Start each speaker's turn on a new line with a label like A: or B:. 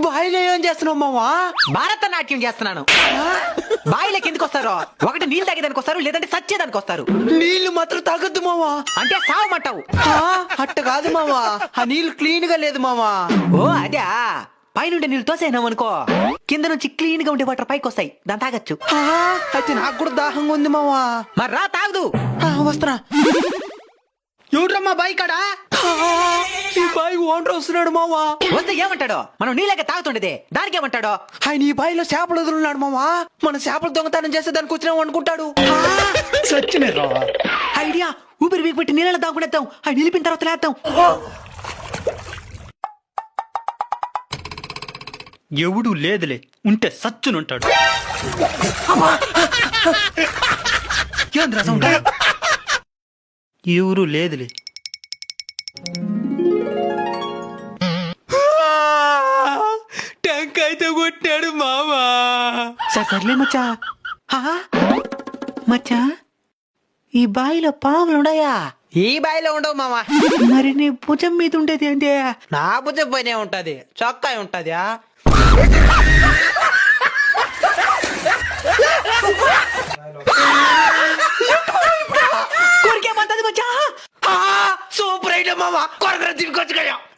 A: బాయిలో ఏం చేస్తున్నావు మావా?
B: భారతనాట్యం చేస్తున్నాను. బాయిలోకి ఎందుకు వస్తారు? ఒకటి నీళ్ళు తాగేదానికి వస్తారు, లేదంటే సచ్చేదానికి వస్తారు.
A: నీళ్లు మాత్రం తాగొద్దు మావా.
B: అంటే సావమంటావు?
A: అట్ట కాదు మావా, ఆ నీళ్లు క్లీన్ గా లేదు మావా.
B: ఓ అదే, పైనుండి నీళ్ళు తోసేనాం అనుకో, కింద నుంచి క్లీన్ గా ఉండే వాటర్ పైకి వస్తాయి, దాన్ని తాగొచ్చు.
A: అయితే నాకు కూడా దాహంగా ఉంది మావా.
B: మరి రా తాగదు.
A: వస్తున్నా. ఎవడ్రమ్మా బాయి కాడా? ఈ బాయి ఓనర్ వస్తున్నాడు మావా.
B: వస్తే ఏమంటాడో? మనం నీళ్ళగా తాగుతుండేది, దానికి ఏమంటాడో?
A: ఆయన ఈ బాయిలో చేపలు వదులున్నాడు మావా. మన చేపలు దొంగతనం చేస్తే దానికి వచ్చినాం అనుకుంటాడు.
B: సచ్చినరా ఐడియా. ఊపిరి వీకి పెట్టి నీళ్ళ దాగునేద్దాం, ఆయన నిలిపిన తర్వాత లేద్దాం.
C: ఎవడు లేదులే, ఉంటే సచ్చునుంటాడు. ఎవరు లేదులే.
A: ట్యాంక్ అయితే కొట్టాడు మావా.
B: సర్లే మచ్చా. మచ్చా, ఈ బాయిలో పాములు ఉన్నాయా?
A: ఈ బాయిలో ఉండవు మావా.
B: మరి నీ భుజం మీద ఉండేది అంటే?
A: నా భుజం పైనే ఉంటది, చొక్కా ఉంటది.
B: కొరికేమంటది మచ్చా.
A: సూపర్ ఐటమ్ మావా, కొరకర తినుకొచ్చు కదా.